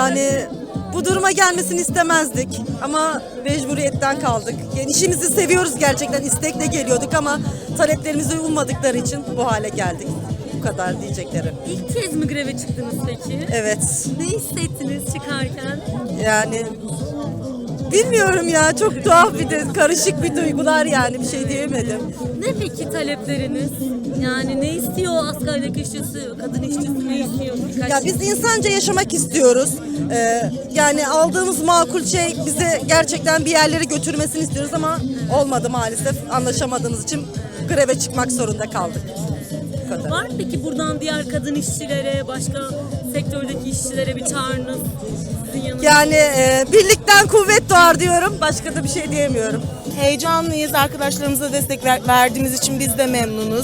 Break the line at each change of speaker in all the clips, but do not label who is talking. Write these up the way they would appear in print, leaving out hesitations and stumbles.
Yani bu duruma gelmesini istemezdik ama mecburiyetten kaldık. Yani işimizi seviyoruz gerçekten, istekle geliyorduk ama taleplerimize uymadıkları için bu hale geldik. Bu kadar diyeceklerim.
İlk kez mi greve çıktınız peki?
Evet.
Ne hissettiniz çıkarken?
Yani bilmiyorum ya, çok tuhaf bir de karışık bir duygular, yani bir şey diyemedim.
Ne peki talepleriniz? Yani ne istiyor asgari işçisi, kadın işçisi ne istiyor?
Ya biz insanca yaşamak istiyoruz. Yani aldığımız makul şey bize gerçekten bir yerlere götürmesini istiyoruz ama olmadı maalesef. Anlaşamadığımız için greve çıkmak zorunda kaldık. Bu kadar.
Var mı peki buradan diğer kadın işçilere, başka sektördeki işçilere bir çağrınız? Sizin yanınızda.
Yani birlikten kuvvet doğar diyorum. Başka da bir şey diyemiyorum.
Heyecanlıyız. Arkadaşlarımıza destek verdiğimiz için biz de memnunuz.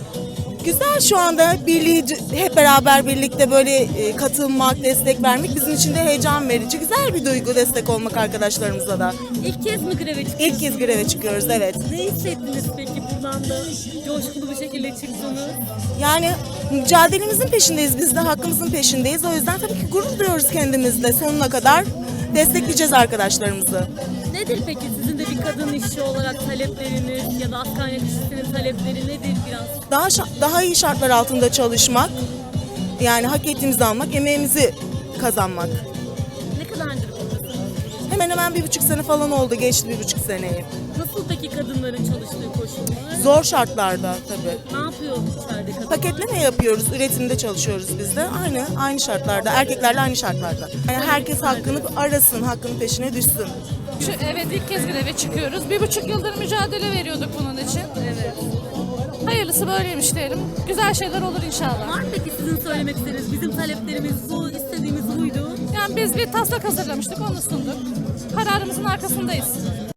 Güzel şu anda birliği, hep beraber birlikte böyle katılmak, destek vermek bizim için de heyecan verici. Güzel bir duygu destek olmak arkadaşlarımıza da.
İlk kez mi greve çıktınız?
İlk kez greve çıkıyoruz, evet.
Ne hissettiniz peki buradan da coşkulu bir şekilde çıktınız?
Yani mücadelemizin peşindeyiz, biz de hakkımızın peşindeyiz. O yüzden tabii ki gurur duyuyoruz kendimizle, sonuna kadar destekleyeceğiz arkadaşlarımızı.
Nedir peki sizin de bir kadın işçi olarak talepleriniz ya da asgari işçisinin talepleri nedir biraz?
Daha iyi şartlar altında çalışmak, yani hak ettiğimizi almak, emeğimizi kazanmak.
Ne kadardır buradasınız?
Hemen hemen 1,5 sene falan oldu, geçti 1,5 seneyi.
Nasıl peki kadınların çalıştığı koşullar?
Zor şartlarda tabii.
Ne yapıyor içeride kadınlar?
Paketleme yapıyoruz, üretimde çalışıyoruz biz de. Aynı şartlarda, erkeklerle aynı şartlarda. Yani herkes hakkını arasın, hakkının peşine düşsün.
Evet, ilk kez greve çıkıyoruz. 1,5 yıldır mücadele veriyorduk bunun için.
Evet.
Hayırlısı böyleymiş diyelim. Güzel şeyler olur inşallah.
Var mı peki sizin söylemek istediğiniz, bizim taleplerimiz bu, istediğimiz buydu.
Yani biz bir taslak hazırlamıştık, onu sunduk. Kararımızın arkasındayız.